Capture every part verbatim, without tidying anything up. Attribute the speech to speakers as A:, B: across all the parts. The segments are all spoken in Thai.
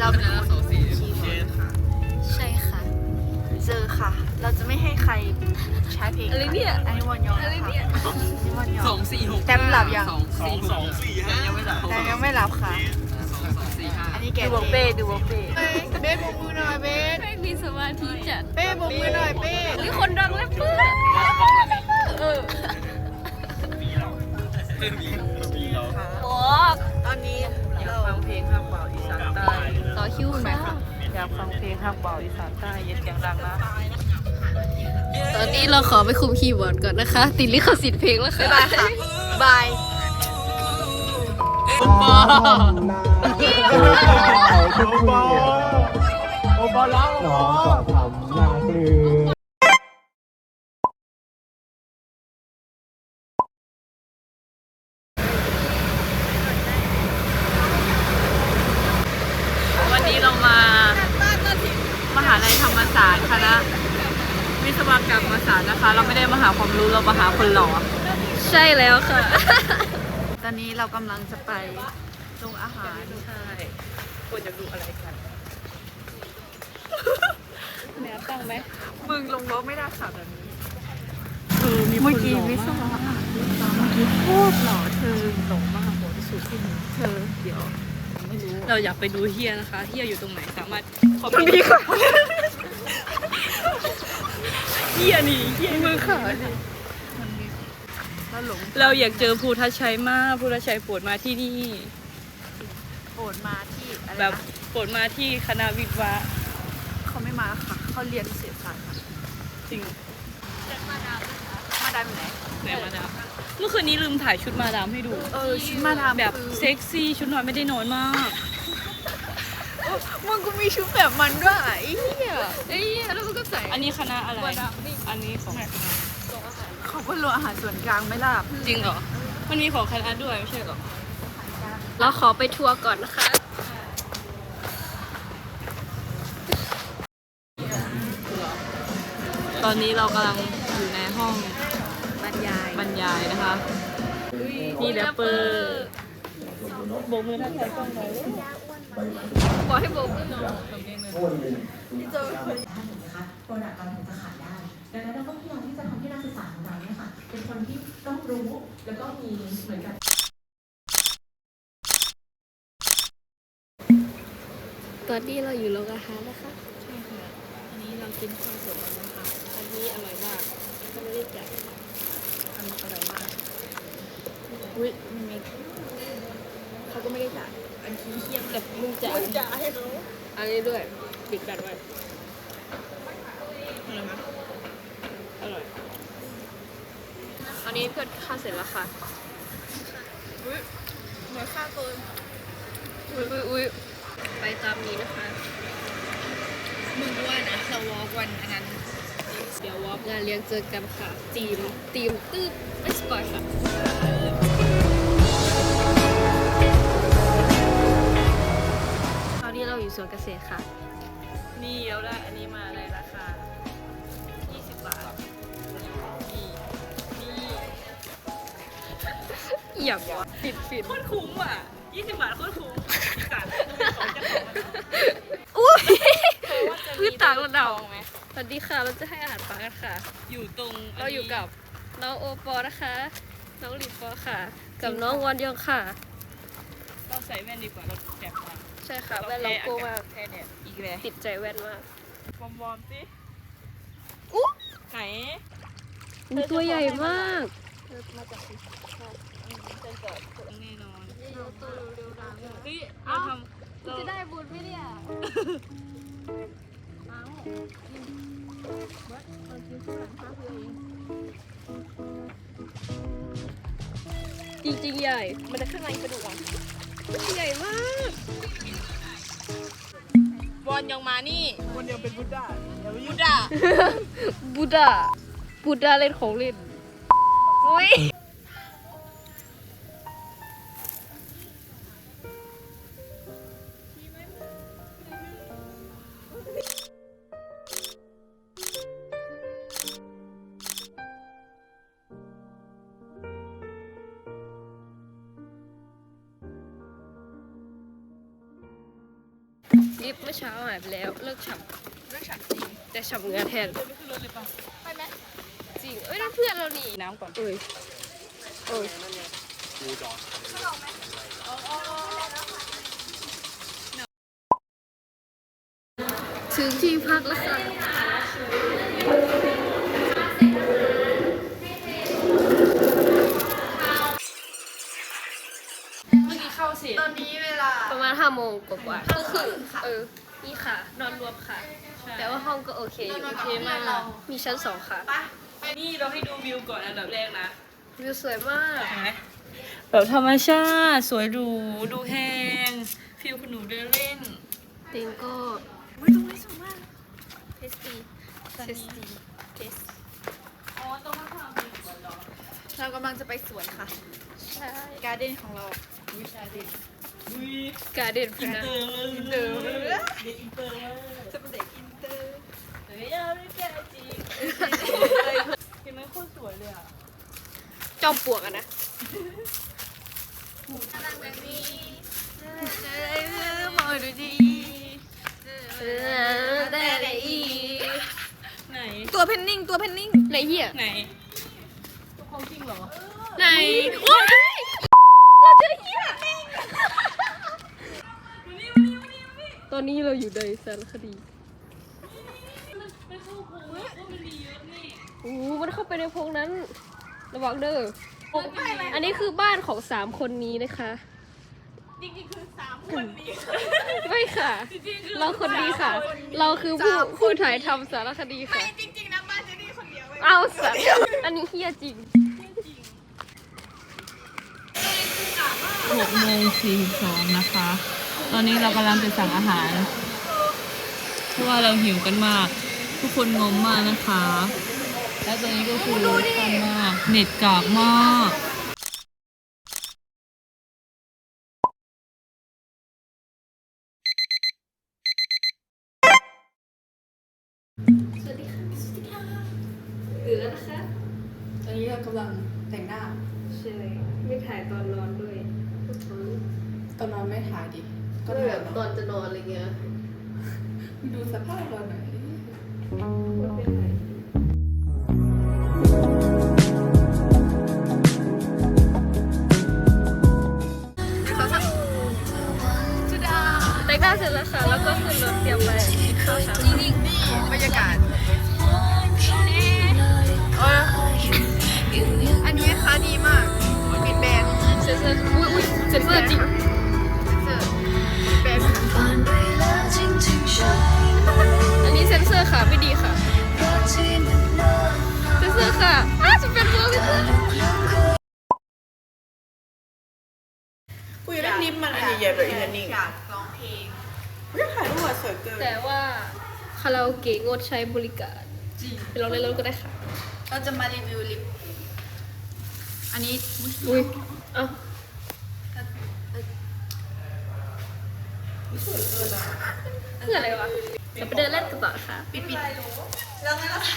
A: เราเป็นคนขี่รถค่ะใช่ค่ะเจอค่ะ เราจะไม่ให้ใครใช้เพลงอะไรเนี่ยอันนี้วันยองอะไรเนี่ยนี่วันยอง
B: สองสี่หก
A: แต้มหลับยัง
B: สองสี่สองสี่ห้ายังไม่หลับ
A: แต่ยังไม่หลับค่ะ
B: สองสองสี่ห้า
A: อันนี้แกดูวงเป้ดูวงเป้เป้โบกมือหน่อยเป้
C: ไม่มีสมาธิจัด
A: เป้โบกมือหน่อยเป้
C: มีคนดังแล้วเพื่อนเออโอ้
A: ตอนนี้
B: อยาก
A: เรา
B: ฟังเพลงข้างเบาอีสานใต้
C: ต่อคิวไหมคะ
B: อยากฟังเพลงข้างเบาอีสานใต้เย็นเสียงดังนะ
C: ตอนนี้เราขอไปคุมคีย์บอร์ดก่อนนะคะ ติดลิขสิทธิ์เพลงแล้วค่ะ
A: บายค่ะบาย
B: โอปอ
D: โอปอโอปอร้องน้องก็ทำหน้าปลื้ม
B: วันนี้เรามามหาลัยธรรมศาสตร์คณะวิศวกรรมศาสตร์นะคะ เราไม่ได้มาหาความรู้เรามาหาคนหล่อ
C: ใช่แล้วค่ะ
A: ตอนนี้เรากำลังจะไปโรงอาหาร
B: ใช่ควรจะดูอะไรกันแนวตั้งไหม
A: มึงลงรถไม่ได้ค่ะแบบนี้
B: เออมี
A: เมื่อ
B: คน
A: กี้
B: หล่อ
A: วิศ
B: มาว ก
A: ะเมื่อกี้โคตรหล่อเธอ
B: หล่อมากหล่อที่สุดที่หนู
A: เธอเดี๋ยวไม่รู้
B: เราอยากไปดูเฮียนะคะเฮียอยู่ตรงไหนสามารถขอ
A: ตรงนี้ค่ะ
B: เฮียนี่เฮียมือขา
A: แล้วหลง
B: เราอยากเจอภูทัชชัยมากภูทัชชัยโปรดมาที่นี่
A: โปรดมาที่อะไร
B: แบบ
A: นะ
B: โปรดมาที่คณะวิศวะ
A: เขาไม่มาค่ะเขาเรียนเศรษฐศาสตร์ค่ะ
B: จริง
A: มาดามอยู่ไหน
B: ไหนมาดามเมื่อคืนนี้ลืมถ่ายชุดมาดามให้ดู
A: เออชุดมาดาม
B: แบบ
A: คือ
B: เซ็กซี่ชุดนอนไม่ได้น้อยมาก
A: มึงกูมีชุดแบบมันด้วยไอ้เหี้ย
C: เอ้ยแล้วมันก็ใส่
B: อันนี้คณะอะไร อันนี้ของ
A: เขาก็รวมอาหารส่วนกลางไม่ล่ะ
B: จริงเหรอ มันมีของคณะด้วยไม่ใช่เหรอ
C: เราขอไปทัวร์ก่อนนะคะ
B: ตอนนี้เรากำลังอยู่ในห้อง
C: บรรยาย
B: บรรยายนะคะนี่แรปเปอร์โบกมือทักทายกล้องหน่อย
C: บอกให้โบกมือ
E: นะคะโปรดักต์เราถึงจะขายได้ ดังนั้นเราก็พยายามที่จะทำให้นักศึกษาของเราเนี่ยค่ะ เป็นคนที่ต้องรู้ แล้วก็มีเหมือนกับ
C: ตอนนี้เราอยู่โรงอาหารนะคะ
B: ใช่ค่ะ อันนี้เรากินข้าวเสร็จแล้วนะคะ อันนี้อร่อยมาก
C: เขาไม่ได้จ่าย
B: อันนี้อร่อยมาก
A: อุ้ยมีเม็ดเขาก็ไม่ได้จ่าย
B: อันนี้เคี่ยมแบบ
C: มึงจ่าย
A: จ่ายให้เขา
C: อันนี้ด้วย
B: ปิดแบตไว้อร่อยไหมอร่อย
C: อันนี้เพื่อนค่าเสร็จแล้วค่ะ
A: เหมือนค่าเกิน
C: อุ้ยอุ้ยอุ้ยไปตามนี้นะคะ
A: มึงด้วยนะเราวอล์กวันอันนั้น
C: เดี๋ยววอล์กงานเลี้ยงเจอกันค่ะ ทีม ทีมตืดไม่สปอยค่ะ ตอนนี้เราอยู่สวนเกษตรค่ะ
B: นี่เราได้อันนี้มาในราคา ยี่สิบบาท นี่นี่
C: อย่างวะปิดปิด
B: โคตรคุ้มอ่ะยี่สิบบาทโคตรคุ้มสารของเจ้าของมัน
C: อุ้ย
B: เธอว่าจะ
C: พืชต่างระดับ
B: ทองไหม
C: สวัสดีค่ะ เราจะให้อาหารปลากันค่ะ
B: อยู่ตรง
C: เราอยู่กับน้องโอปอนะคะ น้องหลินปอค่ะ กับน้องวันยองค่ะ
B: เราใส่แว่นดีกว่าเราแจกมา
C: ใช่ค่ะแว่นเราโก้มาก
B: แค่เนี่ยอีกแล้ว
C: ติดใจแว่นมาก
B: วอมวอมสิ
C: อุ๊
B: ไหน
C: อุ๊ยตัวใหญ่มาก
B: แน่นอนเฮ้ยเราทำเรา
C: จะได้บุญไหมเนี่ย จริงๆใหญ่ มันจะข้างในกระดูกอ่ะใหญ่มาก
B: วอนยังมานี่
D: คนเดียวเป็นบุตรได้อย่าไป
B: บู
D: ยุ่ง
B: ดา
C: บูดาบูดาเล่นของเล่นอุ้ยลิฟต์เมื่อเช้าหายไปแล้วเลิกฉับ
A: เรื่องฉันจริง
C: แต่ฉับเหงือแทน
A: ไปไหม
C: จริงเอ้ยนั่นเพื่อนเรานี่
B: น้ำก่อน
C: เอ้ยเอ้ยถึงที่พักแล้วค่ะเมื่อกี้เข้าสิ
A: ตอนนี้เวลา
C: ประมาณห้าโมงกว่าๆก็คือเออนี่ค่ะ นอนรวมค่ะ แต่ว่าห้องก็โอเคอยู่
A: โอเคมากเรา
C: มีชั้นสองค่ะ
B: นี่เราให้ดูวิวก่อนอันดับแรกนะ
C: วิวสวยมาก
B: แบบธรรมชาติสวยหรูดูแห้งฟิลคุณหนูเดินเล่น
C: ติงก็
A: อุ้ยตรงนี้สวยมาก
C: เทสตีเทสตีเทส
B: อ๋อต้องมาทำอีกก่อนเหรอ
A: เรากำลังจะไปสวนค่ะ
C: ใช่
A: การ์เด้นของเรา
B: วิชาดิวิ
C: การเด่นพ
B: อิน
C: นะ
B: เตอร์เลยอินเตอร์เด็กอินเตอร์มาก
A: จะเป็นเด็กอินเตอร์
B: เฮ้ยเอาไม่แก่จริงเห็นไหมโคตรสวยเลยอ่ะ
C: จอมปลวกอะนะ
A: กำลังแบบนี้มองดูดี
C: เออได้อะไรอีก
B: ไหน
A: ตัวเพนนิ่งตัวเพนนิ่ง
C: ไหนเหี้ย
B: ไหนตัวของจริงเหรอ
C: ไหนว้ายเราเจอเหี้ยตอนนี้เราอยู่ในสารคดี
B: มันเข้าโค้งว่ามันมีเยอะนี่
C: โอ้โหมันเข้าไปในโพรงนั้น ระวังเด้ออันนี้คือบ้านของสามคนนี้นะคะ
A: จริงๆคือสามคนนี้
C: ไม่ค่ะ เราคนดีค่ะ เราคือผู้ผู้ถ่ายทำสารคดีค่ะ
A: จริงๆนะบ้านเจนี่คนเดียว
C: เอาสัตว์อันนี้เฮี้ยจริง
B: หกโมงสี่สิบสองนะคะ ตอนนี้เรากำลังจะสั่งอาหาร เพราะว่าเราหิวกันมาก ทุกคนงงมากนะคะ และตอนนี้ก็คือทันมาก เน็ตกากมาก
C: หรือแล้วนะคะ
A: ตอนนี้เรากำลังแต่งหน้า
C: ใช่ไม่ถ่ายตอนนอนด้วย
A: ตอนนอนไม่ถ่ายดิ
C: ก็แบบตอนจะนอนอะไรเงี้ย
A: ดูสภาพเราหน่อย
C: ไม่เป็นไรแต่งหน้าเสร็จแล้วค่ะ แล้วก็ขึ้นรถเตรียมไปกินข้าวเช้า
A: จริงๆนี่บรรยากาศเอออันนี้นะคะดีมากปิดแบรนด์
C: เซนเซอร์อุ้ยอุ้ยเซนเซอร์จริง
A: เซอร์ปิดแบรนด์
C: อันนี้เซนเซอร์ค่ะ ไม่ดีค่ะ เซนเซอร์ค่ะอ้าจะเป็นเบอร์ไม่ได้
A: กูอยากได้ลิปมันอันใหญ่ๆแบบอีนิ่งอยากร้องเพลงไม่ถ่ายรูปสวยเกิน
C: แต่ว่าคาราโอเกะงดใช้บริการ
A: จริง
C: ไปลองเล่นรถก็ได้ค่ะ
A: เราจะมารีวิวลิป อันนี้
C: อุ้ย เอ้า
A: สวยเกินอ่ะ
C: เพื่ออะไรวะเดี๋ยวไปเดินเล่นกันต่อค่ะ
A: ปิดปิดแล้วไงล่ะ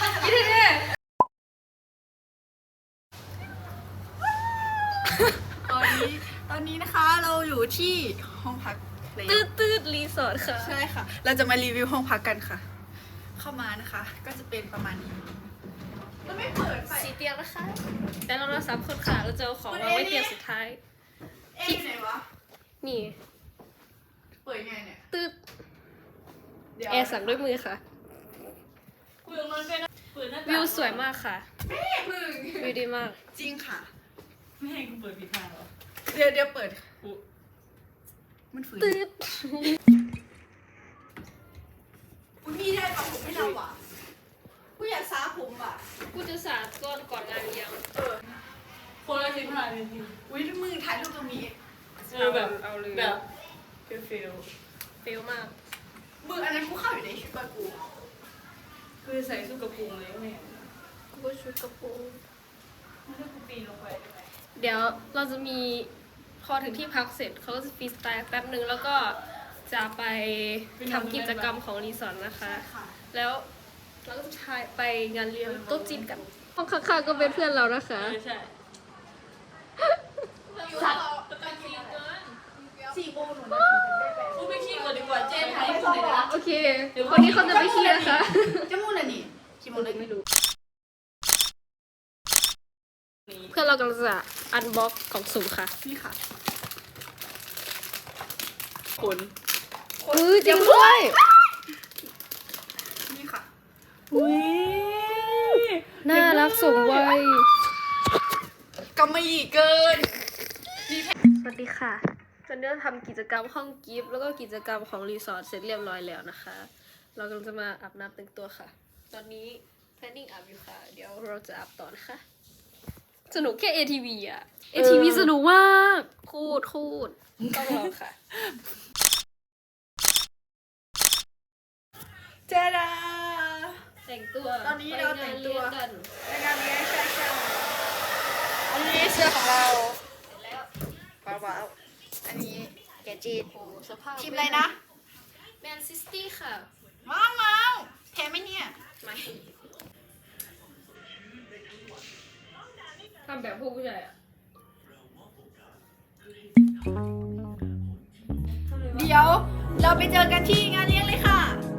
A: ตอนนี้ตอนนี้นะคะเราอยู่ที่ห้องพักเลย
C: ตืดตืดรีสอร์ทค่ะ
A: ใช่ค่ะ เราจะมารีวิวห้องพักกันค่ะ เข้ามานะคะ ก็จะเป็นประมาณนี้มันไม่เปิดไฟ
C: สีเตียงนะคะ แต่เราเราสามคนค่ะ เราจะเอาของวางไว้เตียงสุดท้าย
A: เอ๊ะไหนวะ
C: นี่
A: เปิดไงเนี่ย
C: ตืด
A: เดี๋ยว
C: แอร์สั่งด้วยมือค่ะ
B: เปลืองมันเป็นเปิดหน้าต่าง
C: วิวสวยมากค่ะ
A: พึ่ง
C: วิวดีมาก
A: จริงค่ะ
B: ไม่ให้กูเปิดผิดทางเหรอ
A: เดี๋ยวเดี๋ยวเปิด
B: อุ๊ย
A: มันฝืน
C: ตืด
A: อุ้ยมีได้ปะผมไม่เราอ่ะกูอยากซาผมอ่ะ
C: กูจะสาดก่อนก่อนงานเลี้ยง
A: เออ
B: คนละสิบห้านาที
A: อุ้ยมือถ่ายรูปตรงนี้
B: เออแบบ
C: เอาเลย
B: แบบเฟลเฟล
C: เฟลมาก
A: มืออันนั้นกูเข้าอยู่ในชุดบากู
B: คือใส่สู้กระปุงเลยแม่
C: กูก็ชุดกระโปรง
B: ไม่ได้กูปีนลงไปได้ไหม
C: เดี๋ยวเราจะมีพอถึงที่พักเสร็จเขาก็จะฟรีสไตล์แป๊บหนึ่งแล้วก็จะไปทำกิจกรรมของรีสอร์ทนะคะ
A: ค่ะ
C: แล้วเราก็จะไปงานเลี้ยงโต๊ะจีนกันห้องข้างๆก็เป็นเพื่อนเรานะคะ
B: เออใช่
A: สี่โมงหนู
B: กูไปขี้ก่อนดีกว่าเจ๊ไทยคนไหน
C: เคคนนี้เขาจะไปขี้นะคะ
A: จะมูอะไรนี่ชิมอะไร
C: ไม่รู้เพื่อนเรากำลังจะอันบ็อกกล่องสุ่มค่ะ
A: นี่ค่ะ
B: คน
C: เออจริงด้วย
A: นี่ค่ะ
B: อุ้ย
C: น่ารักสมวัย
A: กำมะหยี่เกิน
C: สวัสดีค่ะตอนนี้เราทำกิจกรรมห้องกิฟต์แล้วก็กิจกรรมของรีสอร์ทเสร็จเรียบร้อยแล้วนะคะ เรากำลังจะมาอาบน้ำแต่งตัวค่ะ ตอนนี้ planning อาบอยู่ค่ะ เดี๋ยวเราจะอาบต่อนะคะ สนุกแค่ เอ ที วี อ่ะ เอ ที วี สนุกมากคูดคูดต้องลองค่ะ
A: เจดา
C: แต่งตัว
A: ตอนนี้เราแต่งตัว
C: ไปานเลี้ยกัน
A: ในงานนี้ใช่ใช่อันนี้เสื้อของเราว้าวๆอันนี้แกจีน
C: โอ้สภาพ
A: ทีมอะไรนะ
C: แมนซิตี้ค่ะ
A: ว้าวว้าวแพ้ไหมเนี่ย
C: ไม่ทำแบบพวกผู้ชายอ่ะ
A: เดี๋ยวเราไปเจอกันที่งานเลี้ยงเลยค่ะ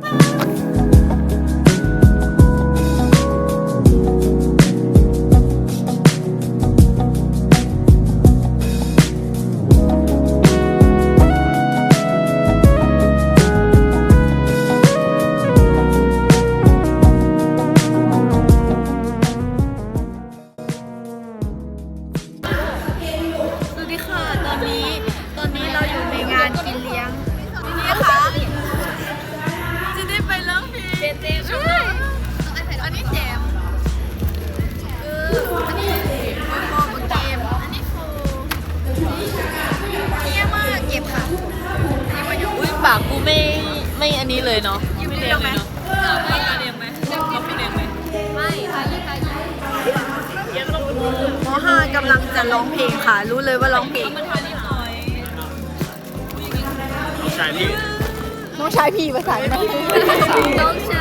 A: สวัสดีค่ะ ตอนนี้ ตอนนี้เราอยู่ในงานกินเลี้ยงนี่ค่ะ จะได้ไปร้องเพลง
C: เจเจมช่วย
A: อันนี้แจมเอออันนี้โฟมเกม อันนี้โฟเยี่ยมมากเก็บค่ะอันนี้มาอยู่
B: อุ้ยปากกูไม่ไม่อันนี้เลยเนาะ
A: ยิ้ม
B: ไม่
A: เรี
B: เรี
A: ย
B: ย
A: ง
B: ง
A: ไหม
B: เลยเนาะไม่กล้าเรียงไหมเขาไม่เรียงไหม
C: ไม่ทายี่ทายี่
A: มห้ากำลังจะร้องเพลงค่ะ รู้เลยว่าร้องเพลง
B: มันทานิดหน่อย
D: ใช่พี่
A: น้องชายพี่ภาษาไหน
C: ต้องใช้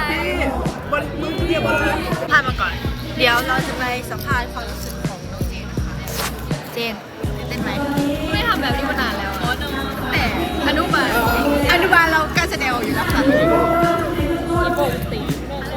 A: พามาก่อน เดี๋ยวเราจะไปสัมภาษณ์ความรู้สึกของน้องเจนนะคะเจนเต้นไหม
C: ไม่ทำแบบนี้มานานแล้ว
B: โอ้โน
A: แต่อนุบาลอนุบาลเราการแสดงออกอยู่แล้วค่ะ
B: อีโปกตีโมโก้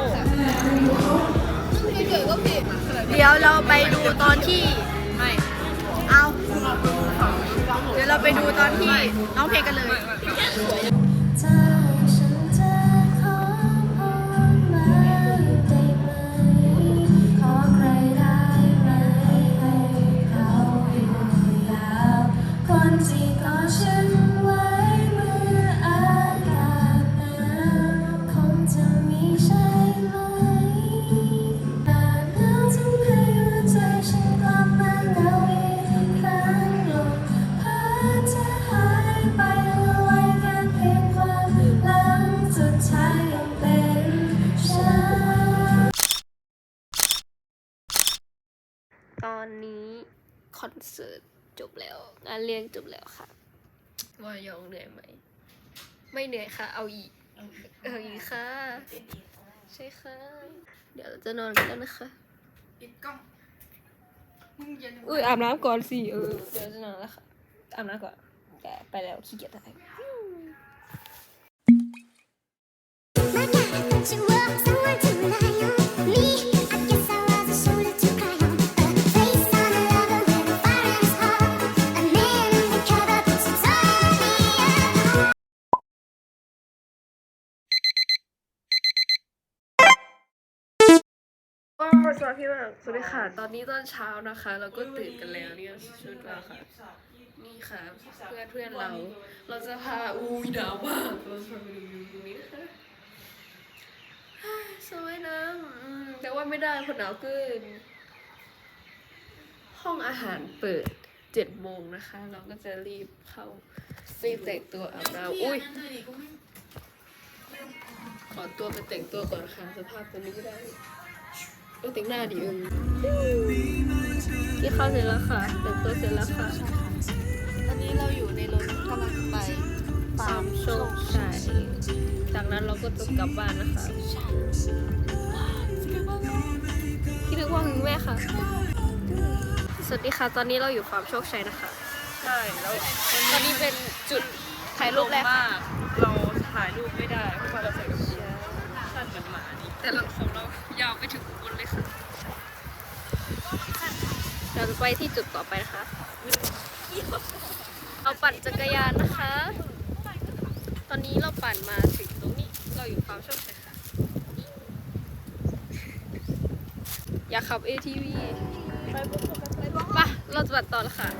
A: เดี๋ยวเราไปดูตอนที่
B: ไม่
A: เอา เดี๋ยวเราไปดูตอนที่น้องเพลงกันเลย
F: ใจฉันจะขอพรมาได้ไหม ขอใครได้ไหมให้เขาอยู่ยาวคนที่กอดฉันไว้เมื่ออากาศหนาวคงจะมีใช่ไหมแต่หนาวทำให้หัวใจฉันกลับมาหนาวอีกครั้งลมพัดจะหายไปเหลือไว้แค่เพียงความหลังสุดท้ายยังเป็นฉัน
C: ตอนนี้คอนเสิร์ตจบแล้วงานเลี้ยงจบแล้วค่ะวายองเหนื่อยไหมไม่เหนื่อยค่ะ เอาอีกเอาอีกค่ะใช่ค่ะ เดี๋ยวเราจะนอนกันแล้วนะคะ
A: ปิดกล้องมึงอย่าลืม
C: อุ้ยอาบน้ำก่อนสิเออเดี๋ยวจะนอนแล้วค่ะอาบน้ำก่อนแกไปแล้วขี้เกียจถ่าย
F: She was someone to rely on. Me, I guess I was a shoulder to cry on. A face on a lover with a fire in his heart. A man undercover puts some sun on me.
C: ว้าวสวัสดีมากสวัสดีค่ะ ตอนนี้ตอนเช้านะคะ เราก็ตื่นกันแล้วเนี่ยชุดเราค่ะ นี่ค่ะ เพื่อนเพื่อนเรา เราจะพาอุ้ยหนาวมากเราจะพาไปดูวิวตรงนี้นะคะสวยนะอืมแต่ว่าไม่ได้เพราะหนาวเกิน ห้องอาหารเปิดเจ็ดโมงนะคะ เราก็จะรีบเข้าไปแต่งตัวอาบน้ำอุ้ย ขอตัวไปแต่งตัวก่อนค่ะสภาพตัวนี้ไม่ได้ก็แต่งหน้าดีเออที่เข้าเสร็จแล้วค่ะแต่งตัวเสร็จแล้วค่ะ
A: ตอนนี้เราอยู่ในรถกำลังไป
C: ฟาร์มโชคชัยจากนั้นเราก็จะกลับบ้านนะคะคิดถึงว่าหึงแม่ค่ะ สวัสดีค่ะ ตอนนี้เราอยู่ฟาร์มโชคชัยนะคะ
B: ใช่แล้ว
C: ตอนนี้เป็นจุดถ่ายรูปแรก
B: มาก เราถ่ายรูปไม่ได้เพราะว่าเราใส่
C: แต่ละของเรายาวไปถึงอุบลเลยค่ะเราจะไปที่จุดต่อไปนะคะเราปั่นจักรยานนะคะ ตอนนี้เราปั่นมาถึงตรงนี้เราอยู่ฟาร์มโชคชัยค่ะ อยากขับ เอ ที วี ไปปะเราจะปั่นต่อแล้วค่ะ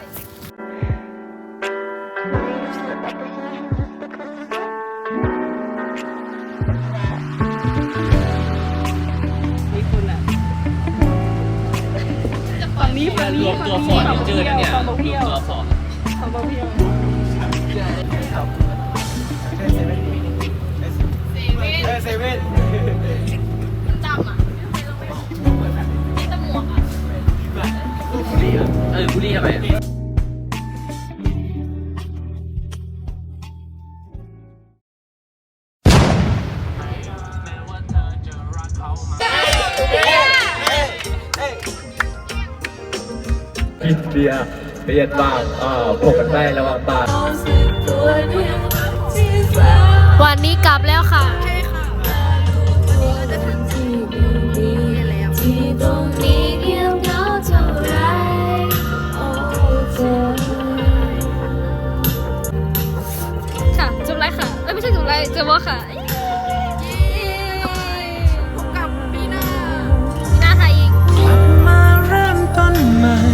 B: ฝั่งนี้ฝั่งนี้
D: รวมตัวฟอร์ดเจอร์เนี่ยรวมตัวฟอร์ด
B: ฝั่งเพียว
D: เซเว่น
A: จำอ่ะมีตะหมวกอ่ะ
D: บุรีอ่ะเออบุรีอะไรอ่ะ อินเดียเรียนบ้างอ่าพวกกันได้ระวังบ้าง
C: วันนี้กลับแล้วค่ะ
A: ใช่ค่ะวันนี้ก็จะถึงที่นี่แล้ว
F: ที่ตรงนี้เงียบเหงาเท่าไรโอ้เธอ
C: ค่ะจบไลฟ์ค่ะ เอ้ยไม่ใช่จบไลฟ์จบวะค่ะ
A: พบกับปีหน้า
C: มีหน้าไทยอีก
G: มาเริ่มต้นใหม่